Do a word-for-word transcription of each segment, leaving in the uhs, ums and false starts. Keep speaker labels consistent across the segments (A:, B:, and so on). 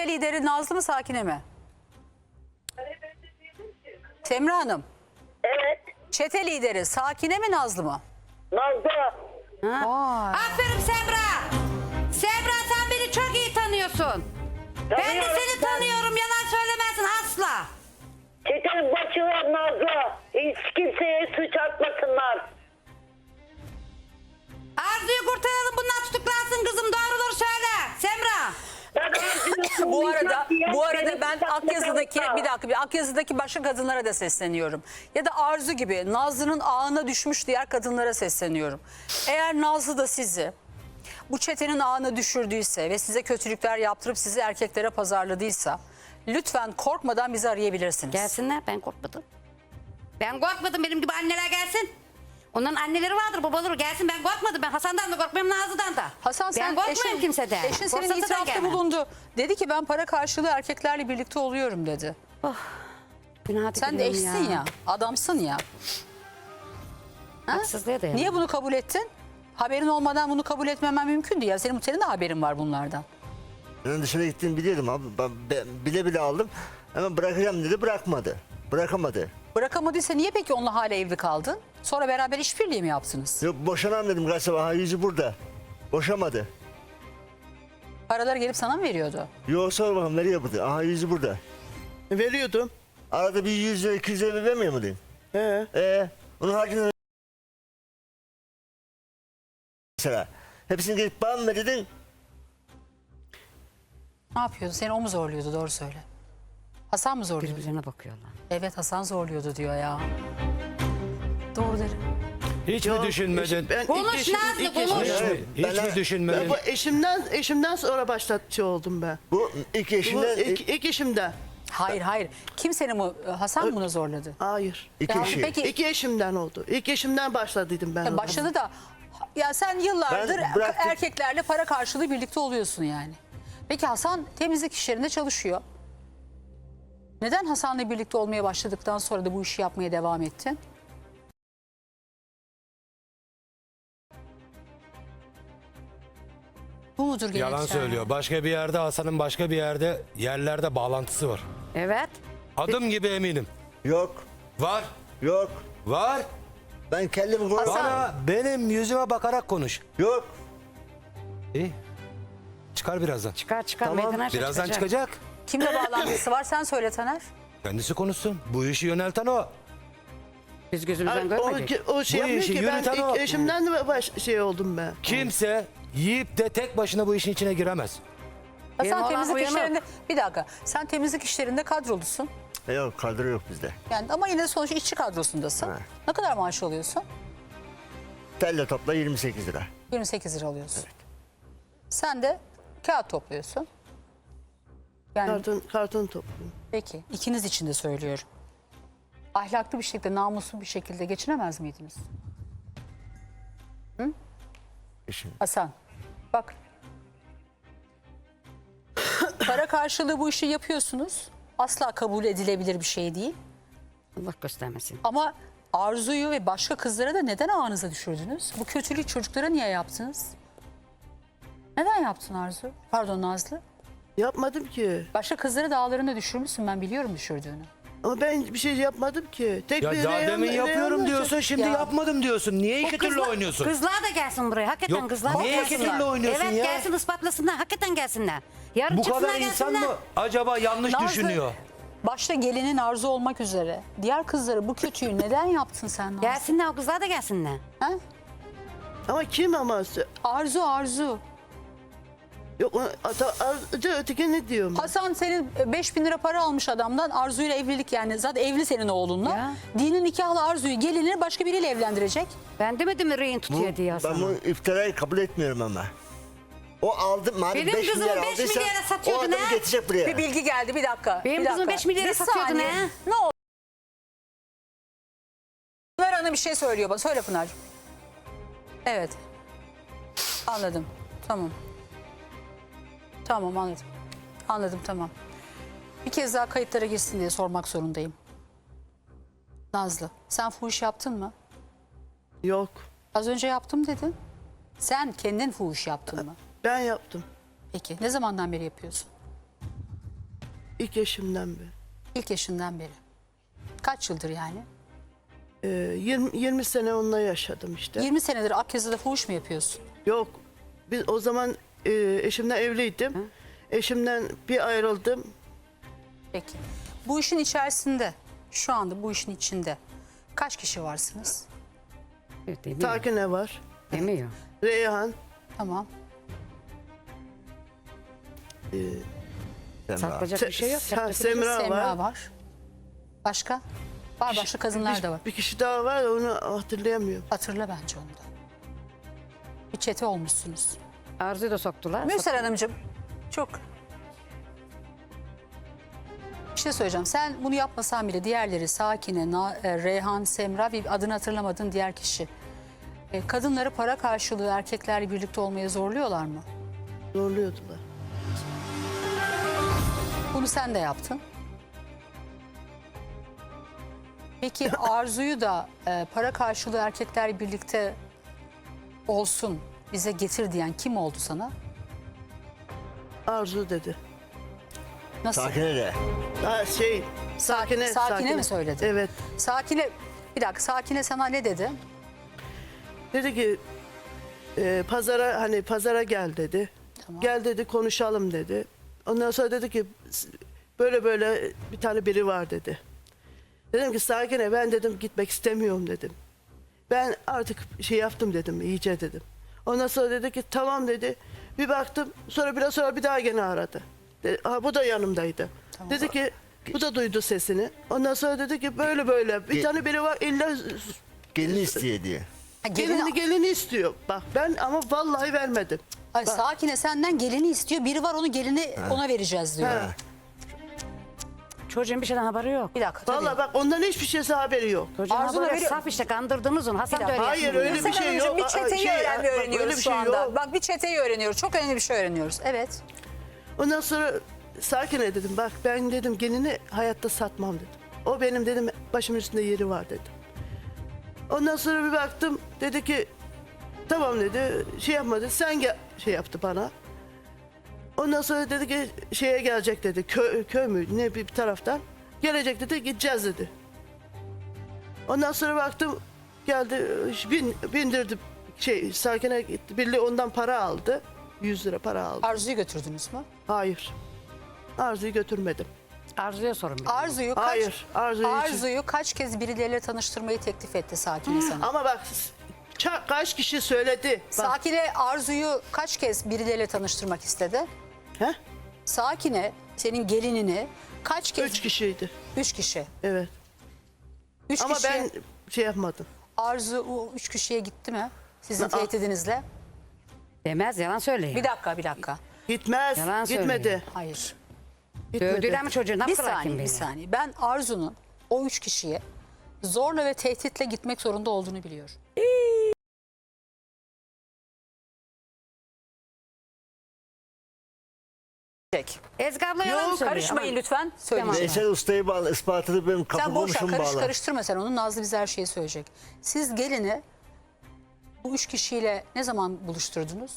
A: Çete lideri Nazlı mı Sakine mi? Semra Hanım.
B: Evet.
A: Çete lideri Sakine mi Nazlı mı?
B: Nazlı.
C: Aferin Semra. Semra sen beni çok iyi tanıyorsun. Ben de
B: Tanıyorum
C: seni
B: ben.
C: tanıyorum. Yalan söylemezsin asla.
B: Çetenin başı var Nazlı. Hiç kimseye suç atmasınlar.
C: Arzu'yu kurtaralım, bundan tutuklansın kızım. Doğruları söyle Semra.
B: Ben
A: Bu arada bu arada
B: Benim
A: ben
B: tutaklı
A: Akyazı'daki
B: kalırsa.
A: bir dakika bir Akyazı'daki başka kadınlara da sesleniyorum. Ya da Arzu gibi Nazlı'nın ağına düşmüş diğer kadınlara sesleniyorum. Eğer Nazlı da sizi bu çetenin ağına düşürdüyse ve size kötülükler yaptırıp sizi erkeklere pazarladıysa lütfen korkmadan bizi arayabilirsiniz.
C: Gelsinler, ben korkmadım. Ben korkmadım, benim gibi anneler gelsin. Onların anneleri vardır, babaları gelsin. Ben korkmadım. Ben Hasan'dan da korkmuyorum, Nazlı'dan da.
A: Hasan sen
C: ben korkmuyorum
A: eşin,
C: kimseden.
A: eşin senin
C: Korksa da
A: itirafta
C: gelmem.
A: bulundu. Dedi ki ben para karşılığı erkeklerle birlikte oluyorum dedi.
C: Günah
A: Sen de
C: diliyorum
A: eşsin ya, adamsın ya. Ha?
C: Haksızlığa dayanamam.
A: Niye bunu kabul ettin? Haberin olmadan bunu kabul etmemen mümkündü ya. Senin, senin de haberin var bunlardan.
D: Ben dışarı gittiğimi biliyordum abi. Ben, ben bile bile aldım. Hemen bırakacağım dedi, bırakmadı. Bırakamadı.
A: Bırakamadıysa niye peki onunla hala evli kaldın? Sonra beraber işbirliği mi yaptınız?
D: Yok boşanam dedim galiba. Aha yüzü burada. Boşamadı.
A: Paraları gelip sana mı veriyordu?
D: Yok sor bakalım nereye burada? Aha yüzü burada.
E: Veriyordum.
D: Arada bir yüz lira iki yüz lira vermiyor mu dedim.
E: He.
D: Ee, onun harcını mesela. Hepsini gelip bana mı dedin?
A: Ne yapıyordu? Seni o mu zorluyordu? Doğru söyle. Hasan mı zorluyordu?
C: Birbirlerine bakıyorlar.
A: Evet Hasan zorluyordu diyor ya. Doğru derim.
F: Hiç mi düşünmedin?
E: Ben
C: Konuş
E: ilk eşim-
C: Nazlı,
E: ilk
C: konuş.
E: eşim-
F: Hiç mi, hiç
D: Ben-
F: mi düşünmedin?
E: Ben bu eşimden eşimden sonra başlatçı oldum ben.
D: Bu ilk
E: Bu
D: eşinden
E: ilk,
D: ilk,
E: ilk eşimden.
A: Hayır hayır. Kim seni mi? Hasan mı bunu zorladı?
E: Hayır.
D: iki
A: Ya
D: eşi.
A: peki
E: İki eşimden oldu. İlk eşimden başladıydım ben.
A: ya
E: ona.
A: başladı da ya sen yıllardır
D: Ben bıraktım.
A: erkeklerle para karşılığı birlikte oluyorsun yani. Peki Hasan temizlik işlerinde çalışıyor. Neden Hasan'la birlikte olmaya başladıktan sonra da bu işi yapmaya devam ettin? Bu mudur gerekçe?
F: Yalan söylüyor. Başka bir yerde Hasan'ın başka bir yerde yerlerde bağlantısı var.
C: Evet.
F: Adım gibi eminim.
D: Yok.
F: Var.
D: Yok.
F: Var.
D: Ben kendimi koruyorum.
F: Bana benim yüzüme bakarak konuş.
D: Yok.
F: İyi. Çıkar birazdan.
C: Çıkar çıkar
D: Tamam.
C: meydana
F: Birazdan çıkacak.
A: Kimle bağlantısı var sen söyle Taner.
F: Kendisi konuşsun. Bu işi yönelten o.
C: Biz gözümüzden
E: Ay, o,
C: görmedik.
E: o şey
F: Bu
E: yapmıyor
F: işi
E: ki ben
F: yürüten o.
E: ilk eşimden de baş, şey oldum ben.
F: Kimse yiyip de tek başına bu işin içine giremez.
A: Ya
C: Benim
A: sen
C: olan
A: temizlik
C: uyanık.
A: işlerinde bir dakika sen temizlik işlerinde kadrolusun.
D: E, Yok kadro yok bizde.
A: Yani ama yine de sonuçta işçi kadrosundasın.
D: Ha.
A: Ne kadar maaş alıyorsun?
D: Telle topla yirmi sekiz lira.
A: yirmi sekiz lira alıyorsun. Sen de kağıt topluyorsun. Yani
E: Karton, karton topluyorum.
A: peki ikiniz için de söylüyorum. Ahlaklı bir şekilde, namuslu bir şekilde geçinemez miydiniz?
D: Eşim.
A: Hasan, bak. Para karşılığı bu işi yapıyorsunuz. Asla kabul edilebilir bir şey değil.
C: Allah göstermesin.
A: Ama Arzu'yu ve başka kızlara da neden ağınıza düşürdünüz? Bu kötülük çocuklara niye yaptınız? Neden yaptın Arzu? Pardon Nazlı.
E: Yapmadım ki.
A: Başka kızları da ağlarına düşürmüşsün. Ben biliyorum düşürdüğünü.
E: Ama ben bir şey yapmadım ki. Tek
F: Ya
E: bir
F: daha
E: Reyhan-
F: demin yapıyorum
E: Reyhan'la
F: diyorsun, şimdi
A: Ya.
F: yapmadım diyorsun. Niye iki türlü
C: Kızlar-
F: oynuyorsun?
C: Kızlar da gelsin buraya. Hakikaten
F: Yok,
C: kızlar da
F: niye iki
C: gelsinler.
F: türlü oynuyorsun
C: evet,
F: ya?
C: gelsin ispatlasınlar. Hakikaten gelsinler. Yarın
F: Bu
C: çıksınlar
F: kadar insan
C: gelsinler.
F: mı acaba yanlış
A: Nazlı,
F: düşünüyor?
A: Başta gelinin Arzu olmak üzere. Diğer kızları bu kötüyü neden yaptın sen Nazlı?
C: Gelsinler, o kızlar da gelsinler.
A: Ha?
E: Ama kim ama?
A: Arzu Arzu.
E: Yok o- ata- Arzu öteki ne diyorum?
A: Hasan senin beş bin lira para almış adamdan. Arzu ile evlilik yani. Zaten evli senin oğlunla.
C: Ya.
A: Dinin nikahlı Arzu'yu gelinini başka biriyle evlendirecek.
C: Ben demedim mi rehin
D: Bu,
C: tutuyor diye
D: ben
C: Hasan'ı.
D: bu iftirayı kabul etmiyorum ama. O aldı madem
C: Benim
D: beş
C: kızımı
D: milyar
C: beş
D: aldıysa
C: milyara
D: o
C: satıyordun
D: adamı
C: ha?
D: getirecek buraya.
A: Bir bilgi geldi bir dakika.
C: Benim
A: bir
C: kızım
A: dakika.
C: beş milyara
A: Bir
C: satıyordun
A: saniye.
C: ha?
A: Ne oldu? Pınar Hanım bir şey söylüyor bana. Söyle Pınar. Evet. Anladım. Tamam. Tamam anladım. Anladım tamam. Bir kez daha kayıtlara girsin diye sormak zorundayım. Nazlı sen fuhuş yaptın mı?
E: Yok.
A: Az önce yaptım dedin. Sen kendin fuhuş yaptın mı?
E: Ben yaptım.
A: Peki ne zamandan beri yapıyorsun?
E: ilk eşimden beri.
A: İlk yaşından beri. Kaç yıldır yani?
E: Ee, yirmi, yirmi sene onunla yaşadım işte.
A: yirmi senedir Akyazı'da fuhuş mu yapıyorsun?
E: Yok. Biz o zaman e, eşimden evliydim. Eşimden bir ayrıldım.
A: Peki. Bu işin içerisinde, şu anda bu işin içinde kaç kişi varsınız?
C: Demiyor.
E: Sakine var.
C: Demiyor.
E: Reyhan.
A: Tamam.
D: Semra.
C: Saklayacak bir şey yok.
E: Se-
C: Saklayacak-
E: Semra,
A: Semra
E: var.
A: var. Başka? Var başka kadınlar da var.
E: Bir kişi daha var, onu hatırlayamıyorum.
A: Hatırla bence onu da. Bir çete olmuşsunuz.
C: Arzu'yu da soktular.
A: Mürsel Hanımcığım çok... Bir şey söyleyeceğim. Sen bunu yapmasan bile diğerleri Sakine, Na- e, Reyhan, Semra bir adını hatırlamadığın diğer kişi. E, kadınları para karşılığı erkeklerle birlikte olmaya zorluyorlar mı?
E: Zorluyordular.
A: Bunu sen de yaptın. Peki Arzu'yu da e, para karşılığı erkeklerle birlikte olsun bize getir diyen kim oldu sana?
E: Arzu dedi.
A: Nasıl?
D: Sakine de.
E: Ha, şey, Sakine.
A: Sakine mi söyledi?
E: Evet.
A: Sakine, bir dakika Sakine sana ne dedi?
E: Dedi ki e, pazara hani pazara gel dedi.
A: Tamam.
E: Gel dedi, konuşalım dedi. Ondan sonra dedi ki böyle böyle bir tane biri var dedi. Dedim ki Sakine, ben dedim gitmek istemiyorum dedim. Ben artık şey yaptım dedim, iyice dedim. Ondan sonra dedi ki tamam dedi. Bir baktım, sonra biraz sonra bir daha gene aradı. Dedi, ha, bu da yanımdaydı. Dedi ki bu da duydu sesini. Ondan sonra dedi ki böyle böyle bir
D: Ge-
E: tane biri var, illa
D: Gelini isteye diye.
A: Ha, gelini-
E: gelini gelini istiyor. Bak ben ama vallahi vermedim.
A: Ay, Sakine senden gelini istiyor. Biri var onu gelini ona vereceğiz diyor.
E: Ha.
C: Çocuğun bir şeyden haberi yok.
A: Bir dakika tabii.
E: Vallahi bak ondan hiçbir şeysi haberi yok.
C: Çocuğun
A: Arzu'na
C: haberi
A: veriyor-
C: saf işte, kandırdınız onu. Hasan
A: Bir
C: da
A: dakika.
C: öyle
E: Hayır,
C: yapıyor.
E: öyle bir
A: Mürsel
E: şey
A: Hanımcığım,
E: yok.
A: bir
E: Aa,
A: çeteyi
E: şey,
A: öğrenmeyi
E: bak,
A: öğreniyoruz
E: öyle bir
A: şu
E: şey
A: anda.
E: yok.
A: Bak bir çeteyi öğreniyoruz. Çok önemli bir şey öğreniyoruz. Evet.
E: Ondan sonra Sakine dedim, bak ben dedim gelini hayatta satmam dedim. O benim dedim başımın üstünde yeri var dedim. Ondan sonra bir baktım, dedi ki tamam dedi, şey yapmadı, sen gel, şey yaptı bana. Ondan sonra dedi ki şeye gelecek dedi, köy, köy mü ne bir taraftan gelecek dedi, gideceğiz dedi. Ondan sonra baktım geldi, bin, bindirdi şey Sakine gitti, birliği ondan para aldı, yüz lira para aldı.
A: Arzu'yu götürdünüz mü?
E: Hayır. Arzu'yu götürmedim.
C: Arzu'ya sorun. bir.
A: Arzu'yu kaç
E: Hayır, Arzu'yu hiç-
A: Arzu'yu kaç kez birileriyle tanıştırmayı teklif etti Sakine sana?
E: Ama bak ça- kaç kişi söyledi. Bak,
A: Sakine Arzu'yu kaç kez birileriyle tanıştırmak istedi?
E: he?
A: Sakine senin gelinini kaç kez?
E: Üç kişiydi.
A: Üç kişi.
E: Evet.
A: Üç
E: Ama
A: kişi.
E: ben şey yapmadım.
A: Arzu o üç kişiye gitti mi? Sizin
E: Aa.
A: tehditinizle.
C: Demez, yalan söylüyor.
A: Bir dakika bir dakika.
E: Gitmez.
C: Yalan
E: gitmedi.
C: söylüyor.
A: Hayır.
E: Gitmedi.
C: Dövdüler mi çocuğu? Ne
A: Bir
C: yaptılar
A: saniye
C: kim
A: bir
C: bilir?
A: saniye. Ben Arzu'nun o üç kişiye zorla ve tehditle gitmek zorunda olduğunu biliyorum.
C: Ezgi abla yalan
E: Yok,
C: söylüyor.
A: Karışmayın
C: Ama-
A: lütfen. Söyleyeceğim.
D: Veysel Usta'yı bağla, ispatını benim kapı
A: Sen boş ver,
D: komşum
A: karış,
D: bağla.
A: karıştırma sen onu. Nazlı bize her şeyi söyleyecek. Siz gelini bu üç kişiyle ne zaman buluşturdunuz?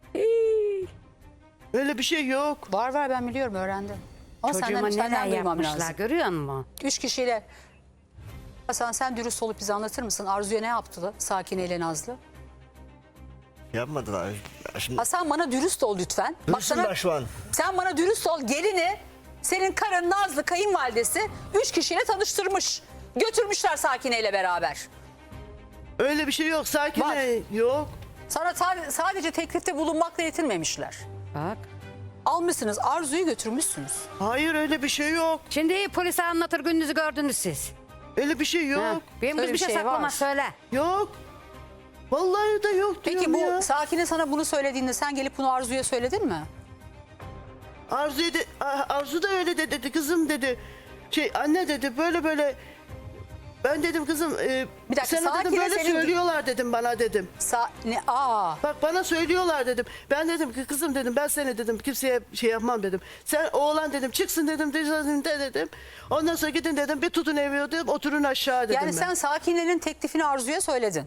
E: Öyle bir şey yok.
A: Var var ben biliyorum öğrendim. Ama
C: Çocuğuma
A: senden,
C: neler
A: senden duymam
C: yapmışlar
A: lazım.
C: görüyor musun?
A: Üç kişiyle Hasan sen dürüst olup bize anlatır mısın? Arzu'ya ne yaptı Sakine ile Nazlı?
D: Yapmadılar. Şimdi
A: Hasan bana dürüst ol lütfen. Bak
D: dürüstüm
A: sana-
D: ben şu an.
A: Sen bana dürüst ol. Gelini senin karın Nazlı kayınvalidesi üç kişiyle tanıştırmış. Götürmüşler Sakine ile beraber.
E: Öyle bir şey yok. Sakine
A: Var.
E: yok.
A: Sana sa- sadece teklifte bulunmakla yetinmemişler.
C: Bak.
A: Almışsınız Arzu'yu götürmüşsünüz.
E: Hayır, öyle bir şey yok.
C: Şimdi polise anlatır, gününüzü gördünüz siz.
E: Öyle bir şey yok.
C: Ha, benim
A: Öyle
C: kız bir şey,
A: bir şey
C: saklama
A: var.
C: söyle.
E: Yok. Vallahi de yok diyorum
A: Peki bu
E: ya.
A: Sakine sana bunu söylediğinde sen gelip bunu Arzu'ya söyledin mi?
E: Arzu, de, Arzu da öyle de dedi, kızım dedi. Şey anne dedi, böyle böyle. Ben dedim kızım e,
A: Bir dakika,
E: sana dedim
A: Sakine
E: böyle
A: senin-
E: söylüyorlar dedim bana dedim.
A: Sa ne aa
E: Bak bana söylüyorlar dedim. Ben dedim ki kızım dedim, ben seni dedim kimseye şey yapmam dedim. Sen oğlan dedim çıksın dedim dedim de dedim. Ondan sonra gidin dedim, bir tutun evi dedim, oturun aşağı dedim
A: yani
E: ben.
A: sen Sakine'nin teklifini Arzu'ya söyledin.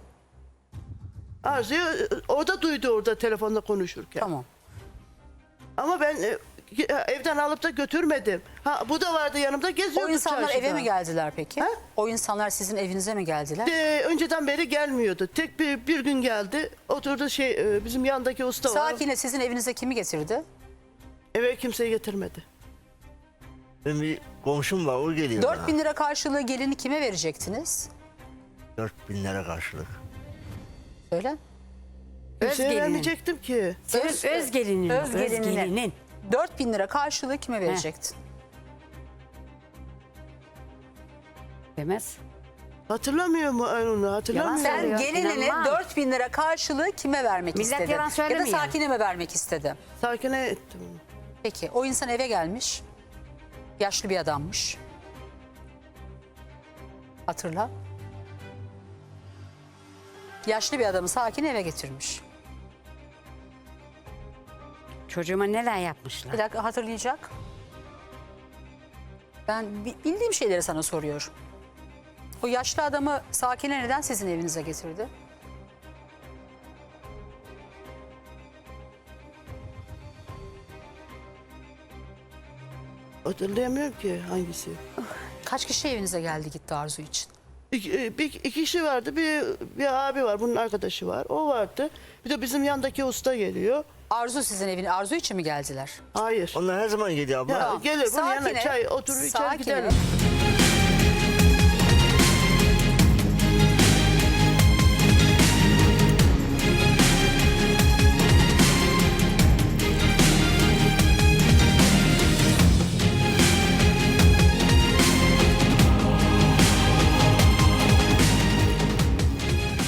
E: Arzu'yu o da duydu orada telefonla konuşurken.
A: Tamam.
E: Ama ben e, Evden alıp da götürmedim. Ha, bu da vardı yanımda, geziyorduk
A: O insanlar
E: çarşıda.
A: eve mi geldiler peki?
E: Ha?
A: O insanlar sizin evinize mi geldiler?
E: De, önceden beri gelmiyordu. Tek bir, bir gün geldi. Oturdu şey e, bizim yandaki usta var.
A: Sakine sizin evinize kimi getirdi?
E: Eve kimseyi getirmedi.
D: Benim bir komşum var, o geliyor.
A: dört
D: bana.
A: bin lira karşılığı gelini kime verecektiniz?
D: dört bin lira karşılık.
A: Söyle.
E: Bir
C: Öz
E: şey
C: gelinin.
E: vermeyecektim ki.
C: Öz, öz gelinin.
A: Öz
C: Öz
A: gelinine.
C: gelinin.
A: dört bin lira karşılığı kime verecektin?
C: Demez.
E: Hatırlamıyor mu onu? Hatırlamıyor.
C: Yalan
A: Sen
C: söylüyor.
A: gelinine
C: İnanmam.
A: dört bin lira karşılığı kime vermek
C: Millet
A: istedin?
C: yalan
A: Ya da
C: söylemiyor.
A: Sakine mi vermek istedi?
E: Sakine ettim.
A: Peki o insan eve gelmiş. Yaşlı bir adammış. Hatırla. Yaşlı bir adamı Sakine eve getirmiş.
C: Çocuğuma neler yapmışlar.
A: Bir dakika hatırlayacak. Ben bi- bildiğim şeyleri sana soruyorum. O yaşlı adamı Sakine neden sizin evinize getirdi?
E: Hatırlayamıyorum ki hangisi.
A: Kaç kişi evinize geldi gitti Arzu için?
E: İki, e, bir, iki kişi vardı. Bir, bir abi var. Bunun arkadaşı var. O vardı. Bir de bizim yandaki usta geliyor.
A: Arzu sizin evine Arzu için mi geldiler?
E: Hayır.
D: Onlar her zaman geliyor abla.
E: Ya, gelir bunun yanına
A: Sakine-
E: çay oturur içer
A: Sakine-
E: gidelim.